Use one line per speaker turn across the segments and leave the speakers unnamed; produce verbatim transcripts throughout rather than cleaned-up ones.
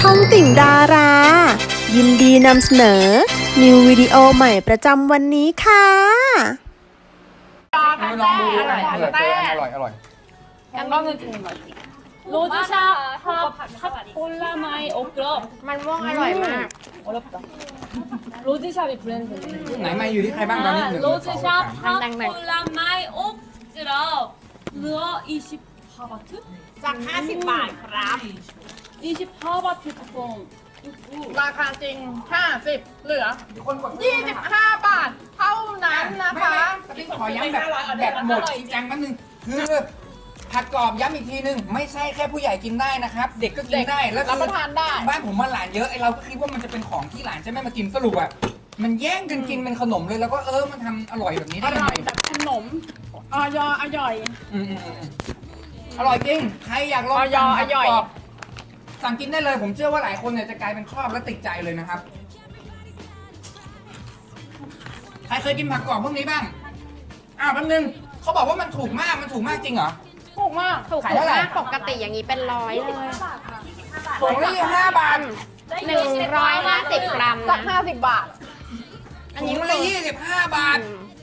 องติ่งดารา ยินดีนำเสนอ นิววิดีโอใหม่ประจำวันนี้ค่ะ
ลองดูอร่อยอร่อยอร่อยอร่อย
건강은 좋은 거지. 로즈샵 핫, 핫 콜라마이 오크럽.
มันม่วงอร่อยมาก
어렵다. 로즈샵이 브랜드네.
ไหนมาอยู่ที่ใครบ้างตอนนี้หนึ่ง
아,
สองสาม
로즈샵 핫 콜라마이 오크럽. 루어 이십사 바트?
จากห้าสิบบาทครับ
이십사 바트 쿠폰.
ราคาจริงห้าสิบเหลือยี่สิบห้าบาทเท่านั้นนะคะ
ไม่ขอย้ำแบบแบบหมดจริงจังแป๊บนึงคือผัดกรอบย้ำอีกทีนึงไม่ใช่แค่ผู้ใหญ่กินได้นะครับ เด็กก็กินได้แล้ว
รับประทานได้
บ้านผมมาหลานเยอะไอเราก็คิดว่ามันจะเป็นของที่หลานจะไม่มากินสรุปอ่ะมันแย่งกันกินเป็นขนมเลยแล้วก็เออมันทำอร่อยแบบนี้
อ
ได้ยัง
ร่อ
ไง
ยแบบขนมออยอร่อย
อืมอืมอืมอร่อยจริงใครอยากลอง
อร่อย
สั่งผัด
อร่อย
กรอบสั่งกินได้เลยผมเชื่อว่าหลายคนเนี่ยจะกลายเป็นชอบและติดใจเลยนะครับ ใครเคยกินผักกรอบพวกนี้บ้าง อ้าวแป๊บนึงเขาบอกว่ามันถูกมาก มันถูกมากจริงเหรอ
ถูกมาก
ขายเท่าไหร่
ปกติอย่างนี้เป็นร้อยเลย
ถุงละยี่สิบห้าบาท
หนึ่งร้อยห้าสิบกรัมจากห้าสิบบาท
ถุงละยี่สิบห้าบาท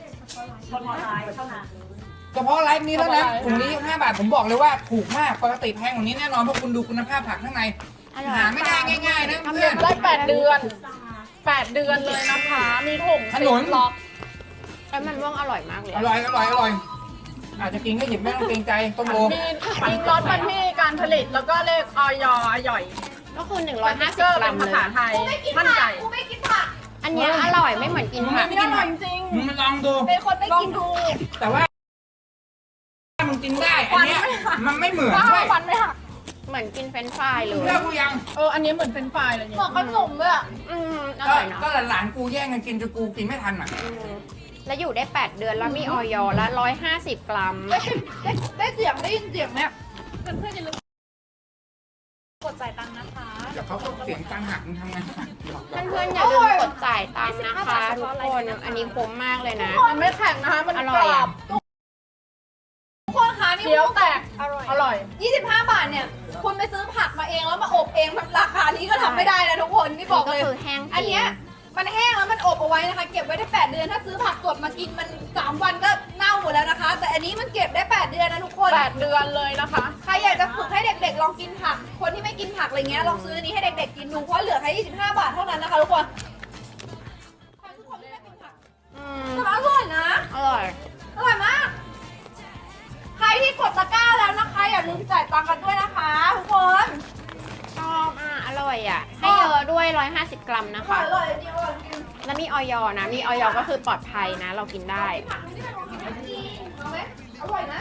เฉพาะไลฟ์นี้แล้วนะถุงนี้ยี่สิบห้าบาทผมบอกเลยว่าถูกมากปกติแพงกว่านี้แน่นอนเพราะคุณดูคุณภาพผักข้างในหาไม่ได้ง่ายๆนะเพื่อน
ได้แปดเดือนแปดเดือนเลยนะคะ มีถุง
ขนุน
ล็อกแล้วมันม่วงอร่อยมากเลย
อร่อยอร่อยอร่อยอาจจะกินก็หยิบไม่ต้องเกรงใจต้มโล
มีมีรสวันที่การผลิตแล้วก็เลขออยอร่อย ก็คือหนึ่งร้อยห้าสิบกรัมเลยภาษาไทยมั่นใจอันเนี้ยอร่อยไม่เหมือนกินผัก
ไม่กินผักจริงมึงลองดู
เป็นคนไม่กินดู
แต่ว่ามึงกินได้อันเนี้ยมันไม่เหมือน
ว้า
ด้วย
วฟันไม่หักเหมือนกินเฟรนช์ฟรายเลย
เชื่อกูยัง
เอออันนี้เหมือนเฟรนช์ฟรายเลยเนี่ยเหมือนขนมเลยอ่ะอืมอ
ก็
ร่อยเนาะ
ก็หลานๆกูแย่งกันกินจนกูกินไม่ทันอ่ะ
อืมแล้วอยู่ได้แปดเดือนแล้วมีออยละร้อยห้าสิบกรัมได้ได้เสียงได้ยินเสียงเนี่ยเพื่อนๆอย่าลืมกดจ่ายตังค์นะคะ
เดี๋ยวเขาก็เสียงตังหักมึงทำไง
เพื่อนๆอย่าลืมกดจ่ายตังค์นะคะทุกคนอันนี้คุ้มมากเลยนะมันไม่แข็งนะคะมัน
อร่อยอะ ทุกคนคะนี่
เคี้ยวแตก
อร่อย
อร่อย
ยี่สิบห้าบาทเนี่ย คุณไปซื้อผักมาเองแล้วมาอบเองแบบราคานี้ก็ทำไม่ได้นะทุกคนนี่บอกเลย
ก็คือแห้งจริง
อันเนี้ยมันแห้งแล้วมันอบเอาไว้นะคะ เก็บไว้ได้แปดเดือนถ้าซื้อผักสดมากินมันสามวันก็เน่าหมดแล้วนะคะ แต่อันนี้มันเก็บได้แปดเดือนนะทุกคน
แปดเดือนเลยนะคะ
ใครอยากจะฝึกให้เด็กๆลองกินผัก คนที่ไม่กินผักอะไรเงี้ยลองซื้ออันนี้ให้เด็กๆกินดูเพราะเหลือแค่ยี่สิบห้าบาทเท่านั้นนะคะทุกคนใครทุกคนที่ไม่กินผัก
อืม
แต่มันอร่อยนะ
อร่อย
อร่อยมาก ใครที่กดตะกร้าแล้วนะคะอย่าลืมจ่ายตังค์กันด้วยนะคะทุกคน
ชอบอ่ะอร่อยอ่ะ ให้เยอะด้วยร้อยห้าสิบกรัมนะ
อร่อ
คะ
ยอร่อยจริงอร่อยจริง
แล้วมีออยนะ มีออยก็คือปลอดภัยนะ เรากินได้
ผักนี่เป็นของกินจริงเอาไหมอร่อยนะ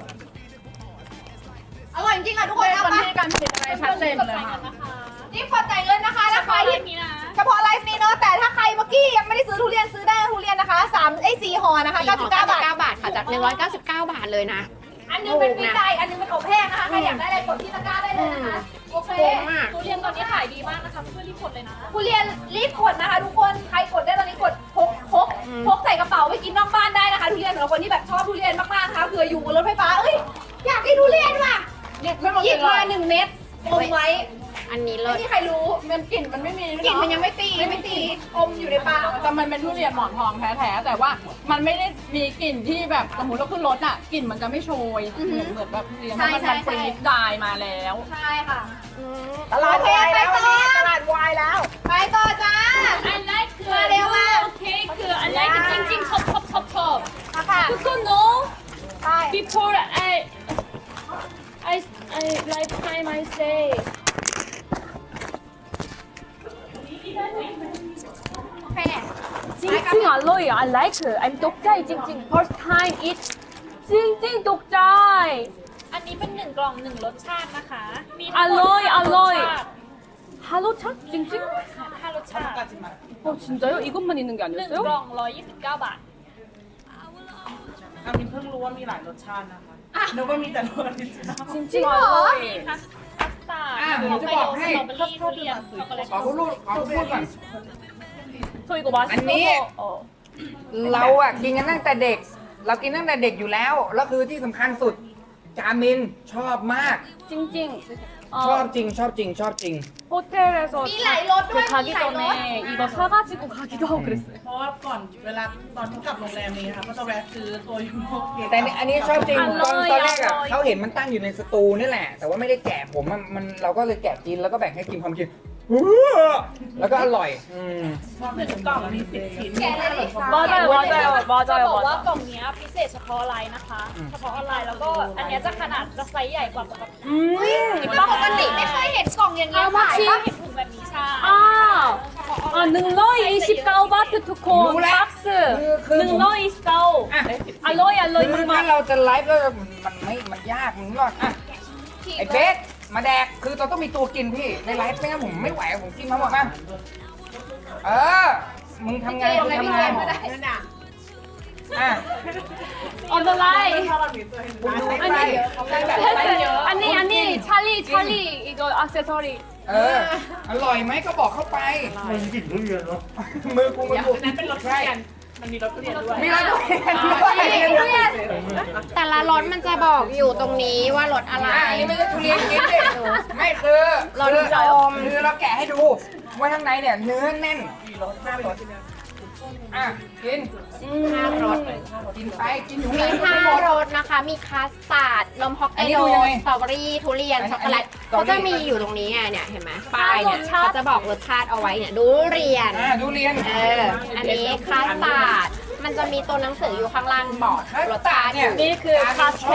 อร่อยจริงอ่ะทุกคนเอา
วัน
ปะ
ที่การผลิตอะไรชัดเจนเลยค่ะ
นี่กดจ่ายเงินนะคะแล้วใครที่เฉพาะไลฟ์นี้เนาะแต่ถ้าใครเมื่อกี้ยังไม่ได้ซื้อทุเรียนซื้อได้ทุเรียนนะคะสามไอ้สี่ห่อนะคะ
สี่
เก้า
ห่
สิ
อบ
เก้าบาท
เก้าบาทค่ะ จากหนึ่งร้อยเก้าสิบเก้าบาทเลยนะ
อันนึงเป็นฟรีไดอันนึงเป็นอบแห้งนะคะใครอยากได้อะไรกดที่ตะกร้าได้เลยนะคะโอเค
คุ้มมาก
ทุเรียนตอนนี้ขายดีมากนะคะเพื่อนรีบกดเลยนะ
ทุเรียนรีบกดนะคะทุกคนใครกดได้ตอนนี้กดพกพกพกใส่กระเป๋าไปกินนอกบ้านได้นะคะทุเรียนสำหรับคนที่แบบชอบทุเรียนมากๆนะคะเผื่ออยู่บนรถไฟฟ้าเอ้ยอยากกินทุเรียนว่ะ
หยิบไม่หมด
หยิบ
เล
มาย หนึ่งเม็ดอมไว้
อันนี้เล
ไม่
ย
มีใครรู้
มันกลิ่นมันไม่มี
กลิ่นมันยังไม่ตีไม่ตีอมอยู่ในปาก
แต่มันเป็นทุเรียนหมอนทองแท้ๆแต่ว่ามันไม่ได้มีกลิ่นที่แบบสมมติเราขึ้นรถอ่ะกลิ่นมันจะไม่โชยเหมือนเหมือนแบบทุเรียนเพราะมันทำฟรีดายมาแล้ว
ใช่ค่ะ
ตลาดวายแล้ว
โอเคไปต่อ
ตลาดวายแล้ว
ไปต่อจ้า
I like
มาเร็วมาก
케이크 I like 찡찡 첩첩첩첩
มาค่ะ
그거 no
ไป
before I I I lifetime I say
โอเค
찡찡 알로이 I like I'm 독자이 찡찡 first time eat 찡찡 독자이
อันนี้เป็นหนึ่งกล่องหนึ่งรสชาตินะคะ มี
อร่อยอร่อย
ห้ารสชาติ
하루차 찡찡
ห้ารสชาติ
어 진짜요? 이것만 있는 게
หนึ่ง
아니었어요?
กล่องร้อยยี่สิบเก้าบาท
อามินเพิ่งรู้ว่ามีหลายรสชาตินะคะนึกว่ามีแต่รสออริจินอล
찡찡 알로이
คัสคัสตาร์ด
อ่ะผมจะบอกให้
สตรอเบอรี่ทุเรียนช็อกโกแลต
ขอพูดลูกขอพูดก่อน
저 이거 맛있어서
아니.
어.
เราอ่ะกินกันตั้งแต่เด็ก เรากินตั้งแต่เด็กอยู่แล้ว แล้วคือที่สำคัญสุด จามินชอบมาก
찡찡
ชอบจริงชอบจริงชอบจริง
호텔에서
มีหลายรสด้วย
그
มี
가기
หลายรส
전에 이거 사가지고 가기도 하고 그랬어요.
เพราะว่าก่อนเวลาตอนที่กลับโรงแรมนี้ค่ะก็จะแวะซื้อตัวยูโรเกต
แต่อันนี้ชอบจริง
อ
ต
ร่
อน
อย
ตอนแรกอะ
อร่อย
เขาเห็นมันตั้งอยู่ในสตูนี่แหละ แต่ว่าไม่ได้แกะผมมันมันเราก็เลยแกะกินแล้วก็แบ่งให้กินความกินแล้วก็อร่อยอืม
หนึ่งกล่องมีสิบชิ้น
แกะเลยดิ
맞아요, 맞아요,
จะ
맞아요,
บอกว่าก
맞아.
ล่องเนี้ยพิเศษเฉพาะไลน์นะคะ เฉพาะออนไลน์แล้วก็อันเนี้ยจะขนาดจะไซส์ใหญ่กว่าปกติ
음,
ปกติไม่เคยเห็นกล่องอย่างนี้
How
ขาย
much?
ปะ
เห็นถุงแบบนี้ใช่
아, 아, 능러이십구 바트 투콘
몰라.
박스.
그, 그 뭐-
능러이십구.
아.
알로이,
คือ
알로이,
ถ้า
막.
เราจะไลฟ์แล้วมันมันไม่มันยากมันก็อ่ะไอ้เบสมาแดกคือเราต้องมีตัวกินพี่ในไลฟ์ไม่งั้นผมไม่ไหวผมกินมาหมดมั้งเออมึงทำงานมึงทำงานอ่ะ
On the line.
ถ้าเรามีตัวให้ดู
คุณดู
ได้
ไป
아니, 아니, 찰리, 찰리, 이거 액세서리.
เอออร่อยไหมก็บอกเข้าไปมือกินทุเรียนเนาะมือกูมือกู
นั่นเป็นรสทุเรียนมันมีรสทุเรียนด้วย
มีรสทุเรียนด้วย
แต่ละรสมันจะบอกอยู่ตรงนี้ว่ารสอะไร
อ่ะอันนี้ไม่ใช่ทุเรียนกินดิไม่คือ
รส
คือ
จอม
คือเราแกะให้ดูว่าข้างในเนี่ยเนื้อแน่นอ่ะกิน
ห้ารส
กินไปกินอยู่
มี
ไหน
ห้า
หมด
รสนะคะ มีคัสตาร์ด นมฮอกไก
อันนี้
โด
ดูยังไง
สตรอเบอรี่ ทุเรียน
อันนี้
ช็อกโกแลต
อันนี้
เขาจะมีอยู่ตรงนี้ไงเนี่ย เห็นไหมป้ายเนี่ยเขาจะบอกรสชาติเอาไว้เนี่ย ดูเรียน
อ่ะทุเรียน
เออ อันนี้คัสตาร์ด มันจะมีตัวหนังสืออยู่ข้างล่างบอก
คัส
รส
ตา
ชา
ร์ด
ติ
เนี่ย
밀크 카스테라.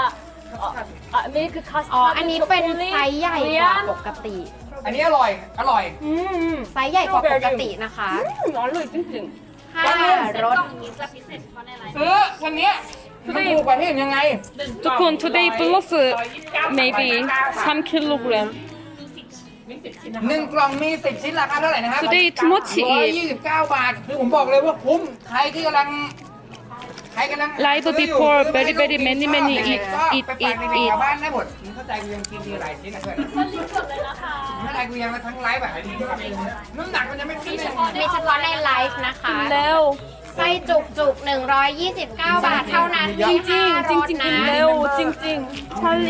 어, 아, 밀크 카스테라.
อ๋อ อันนี้เป็นไซส์ใหญ่กว่าปกติ
อันนี้อร่อยอร่อย
음,
ไซส์ใหญ่กว่าปกตินะคะ
음, 알로이 찡찡.
ห้ารส
กล่องนี้จะพิเศษเฉพาะในไลน์
ซื้อวันเนี้ยมันถูกกว่าที่อื่นยังไง
두콘 today plus maybe 삼 킬로그램.
หนึ่งกล่องมีสิบชิ้นราคาเท่าไหร่นะครับ
Today too much
ร้อยยี่สิบเก้าบาทคือผมบอกเลยว่าคุ้มใครที่กำลังใครกำลัง
Live
ซื้ออยู่
before
ซื้อไป
very very
ให้
many
ลูก
many
กิน
eat
ชอบ
eat
ไปฝาก
eat
เด็กๆ
eat.
ชาวบ้านได้หมดมึงเข้าใจกูยังกินทีหลายชิ้นนะเพื่อน
มันรีบกดเลยนะคะ
ไม่ได้กูยังมาทั้งไลฟ์แบบน้ำหนักมันจะไม่ขึ้นเลย
มีเฉพาะในไลฟ์นะคะ
레오.
ไส้จุกจุกๆหนึ่งร้อยยี่สิบเก้า บาทเท่านั้นมีห้ารส
찡찡
นะ
레오 찡찡 찰리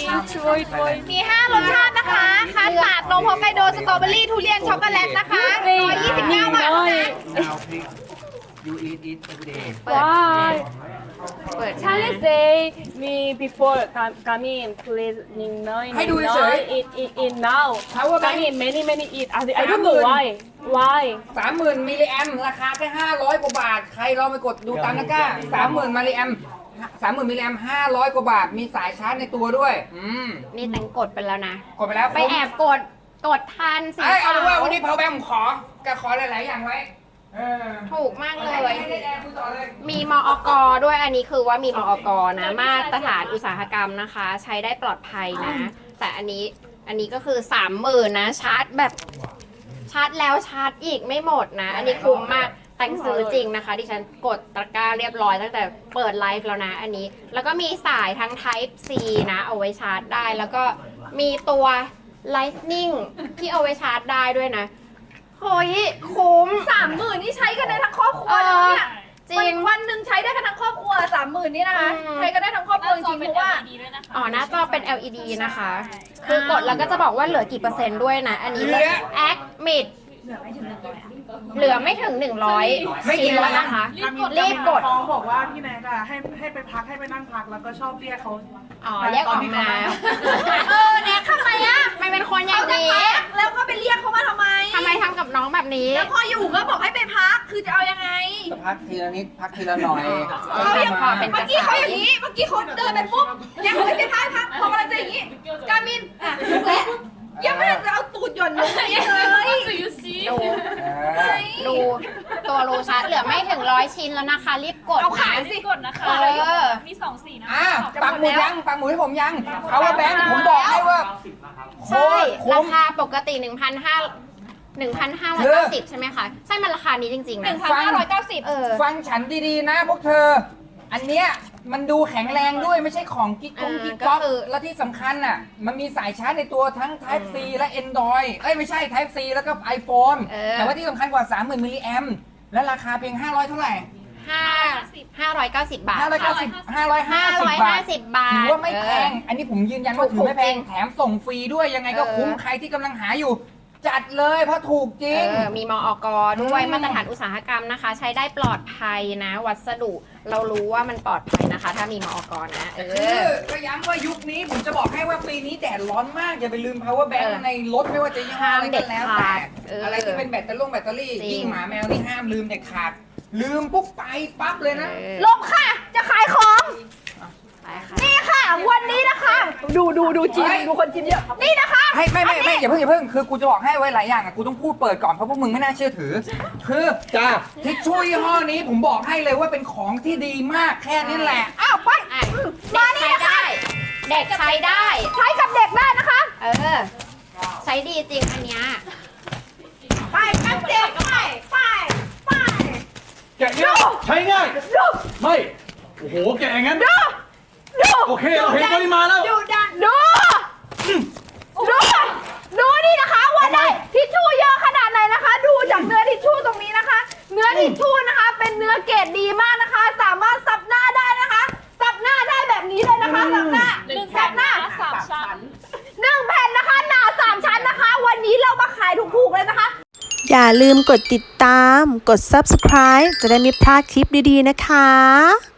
트로이 트로이.
มีห้ารสชาตินะคะคัสตาร์ด นมฮอกไกโด สตรอเบอรี่ ทุเรียน ช็อกโกแลตนะคะหนึ่งร้อยยี่สิบเก้าบาทเท่านั้น
ยูอีทอีท every day
Why?
เปิด
Charlie say me before come come in please ning nine
ให้ดูเฉย
eat eat eat now.
Power bank
come in many many eat. I I don't know why. Why?
สามหมื่นมิลลิแอมราคาแค่ห้าร้อยกว่าบาท ใครลองไปกดดูตามตะกร้าสามหมื่นมิลลิแอมสามหมื่นมิลลิแอมห้าร้อยกว่าบาท มีสายชาร์จในตัวด้วย อืม
นี่แตงกดไปแล้วนะ
กดไปแล้ว
ไปแอบกด กดทันสี
เอ้ยเอา
ขา
เป็นว่าวัน
ว
นี้เพาแบงผมขอก็ขอหลาย ๆ อย่างไว้ เออ
ถูกมากเลย
ให้ได้แอร์คุยต่อเลย
มีมอกด้วย อันนี้คือว่ามีมอกนะ มาตรฐานอุตสาหกรรมนะคะ ใช้ได้ปลอดภัยนะ แต่อันนี้ อันนี้ก็คือสามหมื่นนะ ชาร์จแบบ ชาร์จแล้วชาร์จอีกไม่หมดนะ อันนี้คุ้มมาก แตงซื้อจริงนะคะดิฉันกดตะกร้าเรียบร้อยตั้งแต่เปิดไลฟ์แล้วนะอันนี้ แล้วก็มีสายทั้ง Type C นะ เอาไว้ชาร์จได้ แล้วก็มีตัว Lightning ที่เอาไว้ชาร์จได้ด้วยนะเฮ้ยคุ้ม
สามหมื่นนี่ใช้กันได้ทั้งครอบครัวเลยเนี่ย
จริง
วันวันหนึ่งใช้ได้กันทั้งครอบครัวสามหมื่นนี่นะคะ
อืม
ใช้กันได้ทั้งครอบครัวจริงๆเพราะว่า
ดีด้วยนะคะ
อ๋อ หน้าจอเป็น แอล อี ดี นะคะ คือกดแล้วก็จะบอกว่าเหลือกี่เปอร์เซ็นต์ด้วยนะ อันนี้
เหลือ
แอคมิดเหลือไม่ถึงหนึ่งร้อย
ไม่กี่
ชิ้น
ร้อ
แล้
ย
วนะคะ
รี
รี
บบ ก
ก
ด
ด
ฟ้องบอกว่าพี่แนกอะให้ให้ไปพักให้ไปนั่งพักแล้วก็ชอบเรียกเขา
อ๋อเรียกออกมา
เออเนี่ยทำไมอะ
ไม่เป็นคนอย่าง
เขาจะ
นี้
พักแล้วก็ไปเรียกเขามาทำไม
ทำไมทำกับน้องแบบนี้
แล้วพออยู่ก็บอกให้ไปพักคือจะเอายังไง
พักทีละนิดพักทีละหน่อย
เขายัง
พอเป็น
เมื่อกี้เขาอย่างนี้ เมื่อกี้เขาเดินไปปุ๊บยังไม่ได้พักพักพอกำลังจะอย่างนี้ กามินอ่ะลุกแล้วยังไม่ทันจะเอาตูดหย่อนลงไปเลย
So you see
ดู
เออ
ดูตัวโลชาร์จเหลือไม่ถึงร้อยชิ้นแล้วนะคะ รีบกด
เอา
นะ
ขายสิ
กดนะคะ
เออ
มีสองสีนะ
อ่ะ
คะ
ปักหมุดยังปักหมุดให้ผมยังเอาว่าแบงค์ผมบอกให้ว่าโค
ใช่
ตรคุ้
ราม คาปกติ 1,500 หนึ่งพันห้าร้อยเก้าสิบ ใช่ไหมคะ ใช่มันราคานี้จริงๆ
หนึ่
นะ
งพันห้าร้อยเก้าสิบ
เออ
ฟังฉันดีๆนะพวกเธอ อันเนี้ยมันดูแข็งแรงด้วยไม่ใช่ของกิ๊กกง
เออ
กิ๊กก๊อก
ก็คือ
และที่สำคัญน่ะ มันมีสายชาร์จในตัวทั้ง Type C และ Android เอ้ยไม่ใช่ Type C แล้วก็ iPhone
เออ
แต่ว่าที่สำคัญกว่า สามหมื่น มิลลิแอมและราคาเพียง ห้าร้อย เท่าไหร่
ห้าห้าร้อยเก้าสิบบาท
ห้าร้อยเก้า
ค่ะ
สิบ ห้าร้อยห้า
ห้า
สิบ
ร้อย
บา
ห้า
ท
สิบบาท
ถือว่าไม่แพง
เออ
อันนี้ผมยืนยันว่าถือไม่แพง
ถูกจริง
แถมส่งฟรีด้วยยังไงก็
เออ
คุ้มใครที่กำลังหาอยู่ จัดเลยเพราะถูกจริง
เออมีมอกด้วย
อืม
มาตรฐานอุตสาหกรรมนะคะ ใช้ได้ปลอดภัยนะ วัสดุเรารู้ว่ามันปลอดภัยนะคะ ถ้ามีมอกนะเอ
คือ
อ
ก็ย้ำว่ายุคนี้ผมจะบอกให้ว่าปีนี้แดดร้อนมาก อย่าไปลืม power bank
เออ
ในรถไม่ว่าจะยี่ห้ออะไรก็แล้ว
ห้ามเด็ด
แต่
ขาดเอออ
อะไรที่เป็นแบตเตอรี่แบตเตอรี่
จริง
ยิ่งหมาแมวนี่ห้ามลืมเด็ดขาด ลืมปุ๊บไปปั๊บเลยนะ
เออ
ลบค่ะ จะขายของ
ไปค่ะ
นี่ค่ะ วันนี้นะคะ ดูดูดูจีนดูคนจีนเยอะ นี่นะคะ
ให้ไม่ไม่ไม่อย่าเพิ่งอย่าเพิ่งคือกูจะบอกให้ไว้หลายอย่างอ่ะกูต้องพูดเปิดก่อนเพราะพวกมึงไม่น่าเชื่อถือ คือจ้าทิชชู่ยี่ห้อนี้ผมบอกให้เลยว่าเป็นของที่ดีมากแค่นี้แหละ
อ้าวไป
อ่ะเด็กใช้ได้ เด็กใช้ได้
ใช้กับเด็กได้นะคะ
เออ ใช้ดีจริงอันเนี้ย
ไปกับเด็กไปไปไป
แกะง่ายใช้ง่าย
ดู
ไม่ โอ้โห แกะอย่างนั้น
ดูดู
โอเค โอเคปริมาณแล้ว
ดูดันดูดูดูนี่นะคะว่าได้ทิชชู่เยอะขนาดไหนนะคะ ดูจากเนื้อทิชชู่ตรงนี้นะคะ เนื้อทิชชู่นะคะ เป็นเนื้อเกรดดีมากนะคะ สามารถซับหน้าได้นะคะซับหน้าได้แบบนี้เลยนะคะซับหน้า
หนึ่ง
ซับหน้า
สามชั้น
หนึ่งแผ่นนะคะหนาสามชั้นนะคะ วันนี้เรามาขายถูกๆเลยนะคะ
อย่าลืมกดติดตาม กด ซับสไครบ์ จะได้ไม่พลาดคลิปดีๆนะคะ